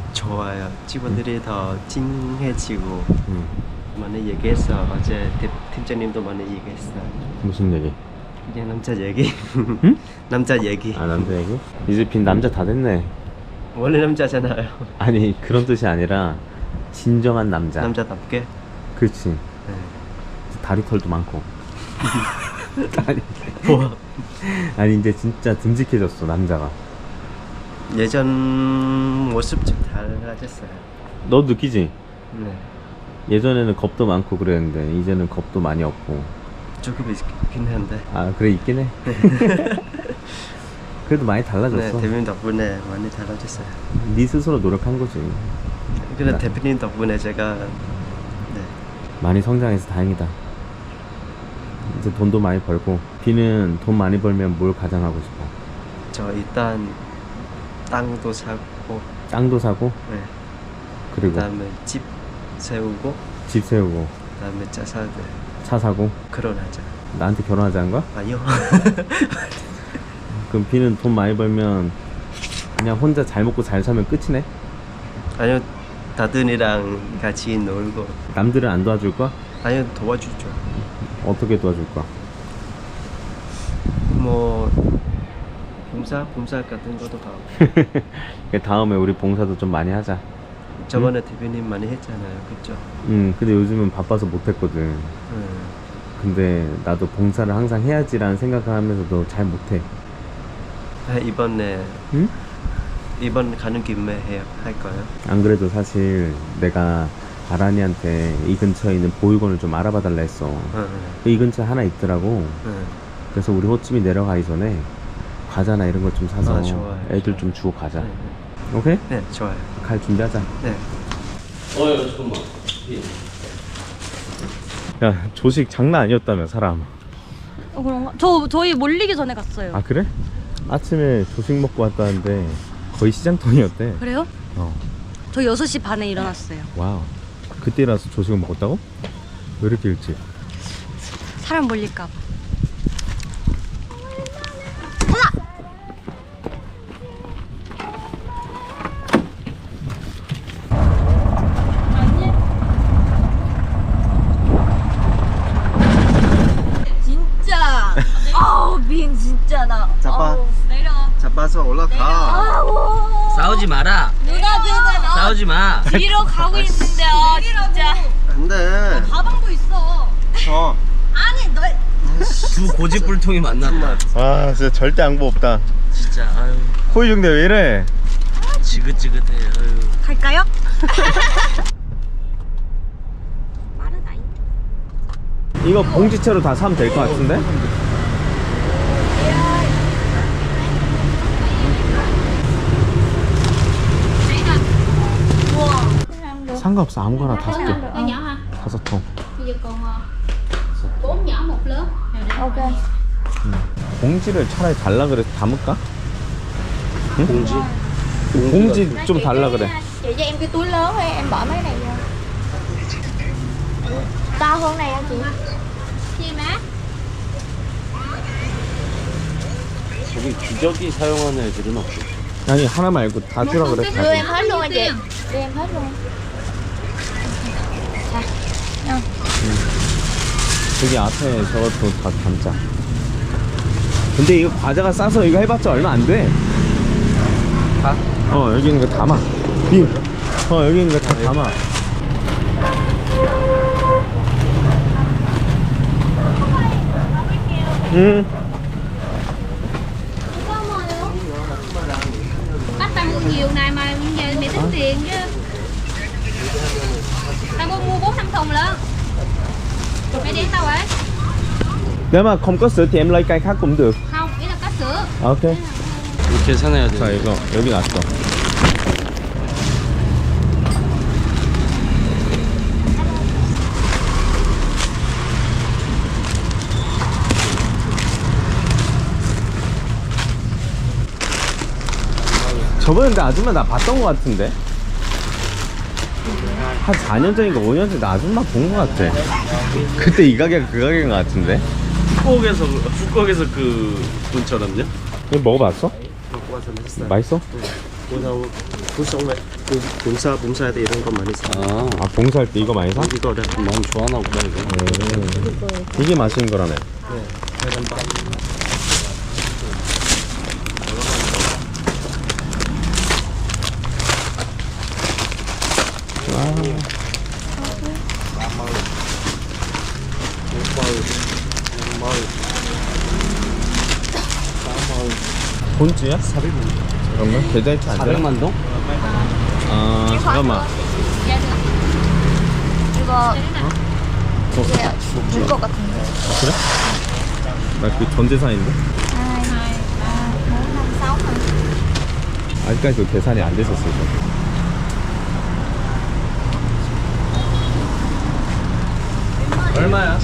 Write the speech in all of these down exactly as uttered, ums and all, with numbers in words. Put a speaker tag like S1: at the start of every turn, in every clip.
S1: 좋아요. 직원들이 더 찡해지고
S2: 응.
S1: 많이 얘기했어. 어제 대, 팀장님도 많이 얘기했어요.
S2: 무슨 얘기?
S1: 그냥 남자 얘기.
S2: 응?
S1: 남자 얘기.
S2: 아 남자 얘기? 이제 빈 남자 다 됐네.
S1: 원래 남자잖아요.
S2: 아니 그런 뜻이 아니라 진정한 남자.
S1: 남자답게.
S2: 그렇지.
S1: 네.
S2: 다리 털도 많고. 아니,
S1: 뭐
S2: 아니 이제 진짜 듬직해졌어 남자가.
S1: 예전 모습 좀 달라졌어요.
S2: 너 느끼지?
S1: 네.
S2: 예전에는 겁도 많고 그랬는데 이제는 겁도 많이 없고.
S1: 조금 있긴 한데.
S2: 아 그래 있긴 해. 그래도 많이
S1: 네,
S2: 달라졌어.
S1: 대표님 덕분에 많이 달라졌어요.
S2: 네 스스로 노력한 거지.
S1: 그래
S2: 나-
S1: 대표님 덕분에 제가 네.
S2: 많이 성장해서 다행이다. 이제 돈도 많이 벌고. 비는 돈 많이 벌면 뭘 가장 하고 싶어?
S1: 저 일단 땅도 사고,
S2: 땅도 사고
S1: 네.
S2: 그리고
S1: 그다음에 집 세우고,
S2: 집 세우고
S1: 그다음에 차 사고,
S2: 차 사고.
S1: 결혼하자.
S2: 나한테 결혼하자는 거야?
S1: 아니요.
S2: 그럼 비는 돈 많이 벌면 그냥 혼자 잘 먹고 잘 살면 끝이네?
S1: 아니요, 다든이랑 같이 놀고.
S2: 남들은 안 도와줄 거야?
S1: 아니요, 도와주죠.
S2: 어떻게 도와줄 거야?
S1: 뭐 봉사, 봉사 같은 것도 하고.
S2: 다음에 우리 봉사도 좀 많이 하자.
S1: 저번에 대표님 많이 했잖아요, 그죠?
S2: 응 근데 요즘은 바빠서 못했거든.
S1: 음.
S2: 근데 나도 봉사를 항상 해야지라는 생각을 하면서도 잘 못해.
S1: 아, 이번에
S2: 응?
S1: 이번 가는 김에 해요, 할 거예요.
S2: 안 그래도 사실 내가 아란이한테 이 근처에 있는 보육원을 좀 알아봐 달라 했어.
S1: 응,
S2: 이 근처에 하나 있더라고.
S1: 응.
S2: 그래서 우리 호치민 내려가기 전에 과자나 이런 거 좀 사서
S1: 아, 좋아요.
S2: 애들 좀 주고 가자.
S1: 네,
S2: 오케이?
S1: 네. 네, 좋아요.
S2: 갈 준비하자.
S1: 네.
S2: 어여 잠깐만. 야 조식 장난 아니었다며 사람.
S3: 어, 그런가? 저 저희 몰리기 전에 갔어요.
S2: 아 그래? 아침에 조식 먹고 왔다는데 거의 시장통이었대.
S3: 그래요?
S2: 어.
S3: 저 여섯 시 반에 일어났어요.
S2: 와우. 그때라서 조식을 먹었다고? 왜 이렇게 일찍?
S3: 사람 몰릴까 봐. 진짜. 아우 민 진짜 나.
S1: 잡아.
S3: 아우, 내려.
S1: 잡아서 올라가.
S3: 아우.
S4: 싸우지 마라.
S3: 누나들은 어,
S4: 싸우지 마.
S3: 뒤로 가고 있는데요, 진짜.
S1: 안 돼.
S3: 가방도 있어.
S1: 저.
S3: 아니 너.
S4: 두 고집불통이 만났다.
S2: 아 진짜 절대 양보 없다.
S4: 진짜 아유
S2: 호의 중대 왜 이래?
S4: 지긋지긋해. 아유.
S3: 갈까요?
S2: 이거 봉지채로 다 사면 될 것 같은데? 상관없어 아무거나 다섯 개.
S5: Nó nhỏ hả?
S2: 다섯 통.
S5: Bây giờ còn ờ, bốn nhỏ một lớn.
S3: 오케이.
S2: 봉지를 차라리 달라 그래서 담을까? 응?
S4: 봉지.
S2: 그 봉지 좀 달라 그래.
S5: Chị cho em cái túi lớn thôi, em bỏ mấy này vô. To hơn này hả chị? Chi má?
S4: 저기 기저귀 사용하는 애들은 없어.
S2: 아니 하나 말고 다 주라 그래.
S5: Đưa em hết luôn hả chị? Đưa em hết luôn.
S2: 저기 앞에 저것도 다 담자. 근데 이거 과자가 싸서 이거 해봤자 얼마 안 돼.
S1: 다?
S2: 어 여기 있는 거 담아. 빔. 어 여기 있는 거 다 담아. 응.
S5: Bác tao mua nhiều này mà giờ mày tính tiền chứ. Tao mua mua bốn năm thùng lận. Mày đi tao vậy?
S2: Nếu mà không có sữa thì em lấy cây khác cũng được.
S5: Không, ý là có sữa.
S2: Ok.
S4: 이렇게 사내야 돼.
S2: 자 이거 여기 놨어. 저번에 근데 아줌마 나 봤던 것 같은데? 한 사 년 전인가 오 년 전에 나 아줌마 본 것 같아. 그때 이 가게가 그 가게인 것 같은데?
S4: 푸꾸옥에서 푸꾸옥에서 그 분처럼요?
S2: 이거 먹어봤어?
S1: 먹고 와서 맛있어요.
S2: 맛있어?
S1: 보통 구성에 봉사 봉사할 때 이런 거 많이 사.
S4: 아,
S2: 아 봉사할 때 이거 많이 사?
S1: 이거를
S4: 너무 좋아하나 보다 이거.
S2: 음. 이게 맛있는 거라네.
S1: 네, 계란밥.
S2: 본주야? 사백만. 잠깐만 계좌이체 안 돼?
S4: 사백만 동?
S2: 아 잠깐만.
S3: 이거 이게 줄것 같은데.
S2: 그래? 나 그 전재산인데?
S3: hai hai ba bốn năm sáu hả?
S2: 아직까지 그 계산이 안 됐었어 이거.
S4: 얼마야?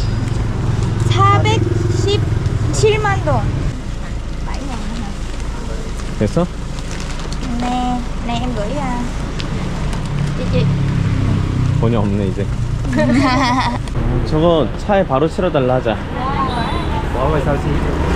S3: 사백십칠만 동. bảy ngàn nữa hả?
S2: 됐어?
S3: Nè, nè em gửi à. Chị chị.
S2: 돈이 없네 이제. 저거 차에 바로 실어달라 하자.
S1: Bỏ vào sao xí.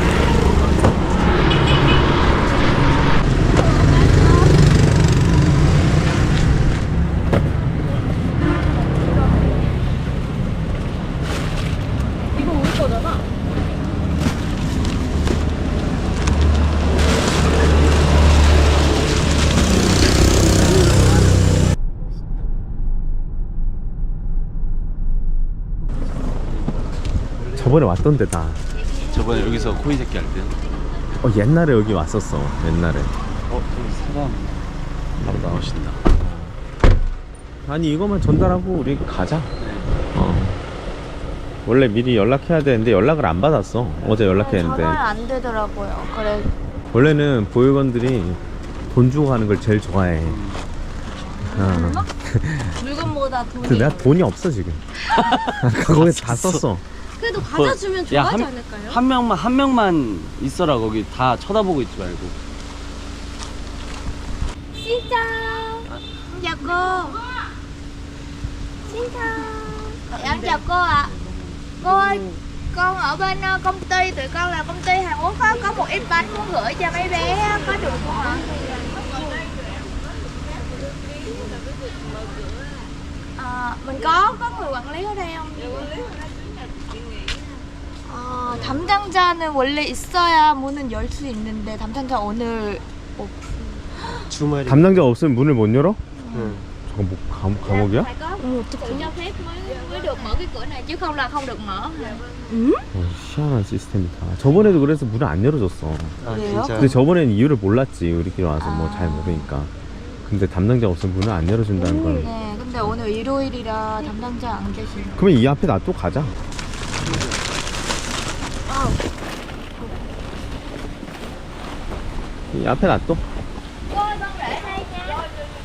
S2: 저번에 왔던 데다.
S4: 저번에 여기서 코이 새끼 할 때.
S2: 어 옛날에 여기 왔었어. 옛날에.
S4: 어, 저기 사람 바로 나오신다.
S2: 아니 이거만 전달하고 우리 가자. 어. 원래 미리 연락해야 되는데 연락을 안 받았어. 어제 연락했는데.
S3: 전화를 안 되더라고요. 그래.
S2: 원래는 보육원들이 돈 주고 가는 걸 제일 좋아해. 어.
S3: 물건보다 돈이.
S2: 근데 내가 돈이 없어 지금. 거기서 다 썼어.
S3: 그래도 과자 주면
S4: 야,
S3: 좋아하지
S4: 한,
S3: 않을까요?
S4: 한 명만 한 명만 있어라. 거기 다 쳐다보고 있지 말고.
S3: Xin chào. Chào cô. Xin chào. Dạ, chào cô ạ. Cô ơi, con ở bên ờ, công ty, tụi con là công ty Hàn Quốc á, có một ít bánh muốn gửi cho mấy bé á, có được không ạ? À, mình có có người quản lý ở đây không? 아, 담당자는 원래 있어야 문은 열 수 있는데 담당자 오늘 오픈.
S1: 주말에.
S2: 담당자 없으면 문을 못 열어?
S1: 응.
S2: 저거 뭐 감, 감옥이야?
S3: phải có sự cho phép mới mới được mở cái cửa này chứ không là không được mở.
S2: 어, 희한한 시스템이다. 저번에도 그래서 문을 안 열어줬어.
S1: 아
S3: 왜요?
S1: 진짜.
S2: 근데 저번에는 이유를 몰랐지. 우리끼리 와서 뭐 잘 모르니까. 근데 담당자 없으면 문을 안 열어준다는 건.
S3: 네, 근데 오늘 일요일이라 담당자 안 계시네.
S2: 그러면 이 앞에 놔두고 가자. 이 앞에 놔둬.
S3: Cô ơi, con để đây nha.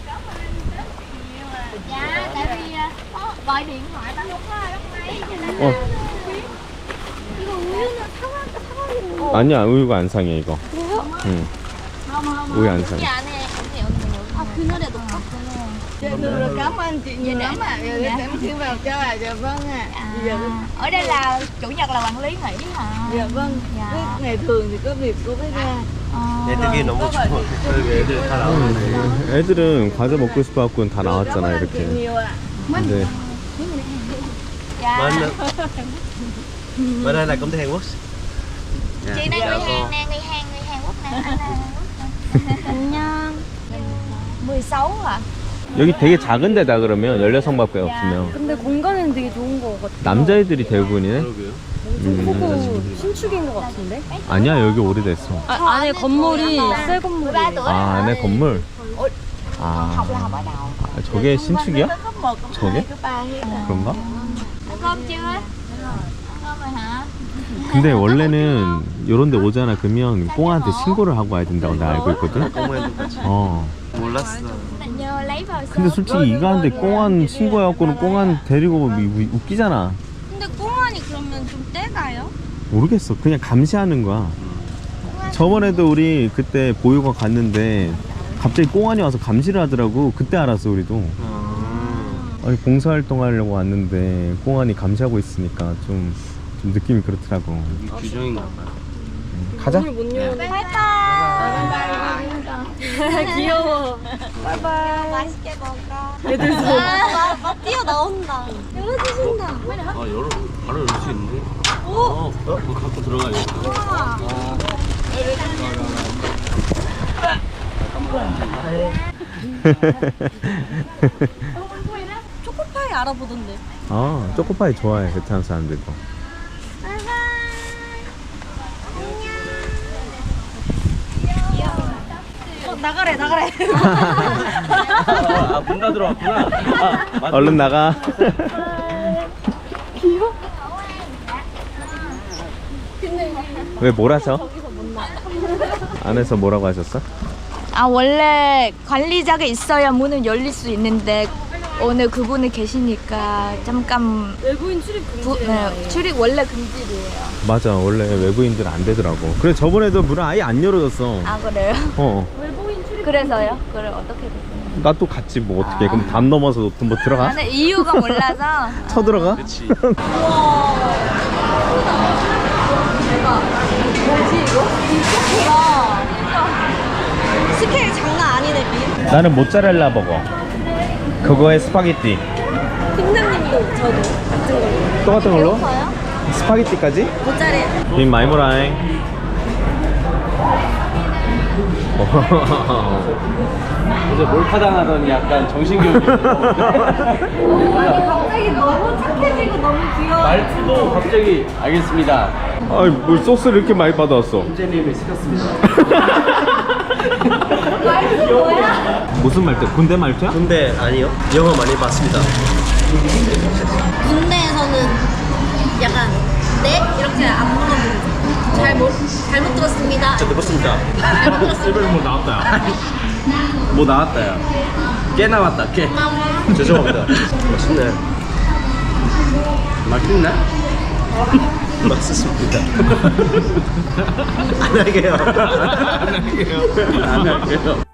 S3: Dạ, tại vì có gọi điện thoại ta không có ai bắt máy cho nên
S2: 어.
S3: 이거 우유는 사과 사과로.
S2: 아니야, 우유가 안 상해 이거.
S3: 그래요?
S2: 응.
S3: không không
S2: 우유 안 상해.
S3: cái 안에 감기 없는 거. 아, 그날에도 봤구나.
S6: Được, cảm ơn chị nhiều lắm ạ. Rồi
S3: Dạ.
S6: em xin vào cho ạ. Dạ vâng ạ. Dạ,
S3: À, ở đây là chủ nhật là quản lý nghỉ hả?
S6: dạ vâng.
S3: Dạ.
S6: Cứ ngày thường thì có việc cô mới ra.
S3: 어,
S1: 애들이 너무 좋아. 여기 애들 다 나오는데.
S2: 애들은 과자 먹고 싶어갖고 다 나왔잖아
S6: Cảm ơn chị
S2: 이렇게.
S6: nhiều ạ.
S2: 근데
S3: dạ.
S1: Bên bên đây là công ty Hàn Quốc.
S3: Chị này người Hàn nè, người Hàn, người Hàn Quốc nè, anh là Hàn Quốc nè. 안녕. mười sáu à?
S2: 여기 되게 작은 데다 그러면 열여성밖에 없으면
S5: 근데 공간은 되게 좋은 거 같아.
S2: 남자애들이 대부분이네.
S4: 그러게요.
S2: 음.
S5: 신축인 거 같은데?
S2: 아니야 여기 오래됐어.
S5: 아, 안에 건물이 새 건물이.
S2: 아 안에 건물. 아,
S3: Học là học ở đâu?
S2: 아 저게 신축이야?
S6: Cấp một, cấp
S2: 저게?
S6: hai, cấp ba hết ạ.
S2: 그런가?
S3: Ăn cơm chưa? Ăn cơm rồi hả?
S2: 근데 원래는 요런 데 오잖아 그러면 꽁한테 신고를 하고 와야 된다고 나 알고 있거든.
S1: 공무원도 같이.
S2: 어.
S1: 몰랐어.
S3: nhờ lấy vào
S2: 근데 솔직히 이거 하는데 꽁한 신고해갖고는 꽁한 데리고 오면 우- 웃기잖아.
S3: 근데 꽁안이 그러면 좀 떼가요?
S2: 모르겠어. 그냥 감시하는 거야. 저번에도 우리 그때 보육원 갔는데 갑자기 꽁안이 와서 감시를 하더라고. 그때 알았어 우리도.
S1: 아.
S2: 아니 봉사활동 하려고 왔는데 꽁안이 감시하고 있으니까 좀, 좀 느낌이 그렇더라고.
S4: 이게 규정인가 봐요.
S2: 가자.
S5: 못 열어.
S3: Bye bye.
S5: 귀여워.
S3: 맛있게 먹어.
S5: 애들도.
S3: 아, 막 뛰어나온다. 열어주신다.
S4: 아 열어 바로 열 수 있는데? 어? 어? 그거 갖고 들어가야겠다.
S5: 초코파이 알아보던데.
S2: 어, 초코파이 좋아해, 베트남 사람들도.
S5: 어, 나가래, 나가래.
S4: 아, 문 닫으러 왔구나. 아, 맞다.
S2: 얼른 나가. 왜 뭐라죠? 안에서 뭐라고 하셨어?
S3: 아, 원래 관리자가 있어야 문을 열릴 수 있는데 오늘 그분이 계시니까 잠깐
S5: 외부인 출입
S3: 부,
S5: 금지.
S3: 네, 출입 원래 금지예요.
S2: 맞아, 원래 외부인들 안 되더라고. 그래, 저번에도 문을 아예 안 열어줬어.
S3: 아, 그래요?
S2: 어.
S5: 외부인 출입.
S3: 그래서요? 그래, 어떻게 됐어요?
S2: 나 또 갔지, 뭐, 어떻게. 그럼 담 넘어서 뭐 들어가?
S3: 나는 이유가 몰라서.
S2: 쳐들어가?
S4: 그치.
S5: 스케일 장난 아니네, 빈.
S2: 나는 모짜렐라 버거. 그거에 스파게티.
S5: 팀장님도 저도 같은 걸로.
S2: 똑같은 걸로? 스파게티까지?
S5: 모짜렐.
S2: 빈 많이 모라잉.
S4: 어제 몰카당하더니 약간 정신교육이.
S5: 갑자기 너무 착해지고 너무 귀여워.
S4: 말투도 갑자기 알겠습니다.
S2: 아이, 뭘 소스를 이렇게 많이 받아왔어.
S4: 팀장님이 시켰습니다.
S2: 무슨 말투? 군대 말투야?
S1: 근데 아니요. 영어 많이 봤습니다.
S5: 군대에서는 약간 네? 이렇게 안 물어보고 잘 못, 잘못 들었습니다.
S1: 저 듣겠습니다.
S5: 잘못 들었습니다.
S2: 뭐 나왔다.
S4: 뭐 나왔다, 야. 깨 나왔다, 깨.
S1: 죄송합니다. 맛있네.
S4: 맛있나?
S1: 맛있습니다. 안 하게요.
S4: 안 할게요.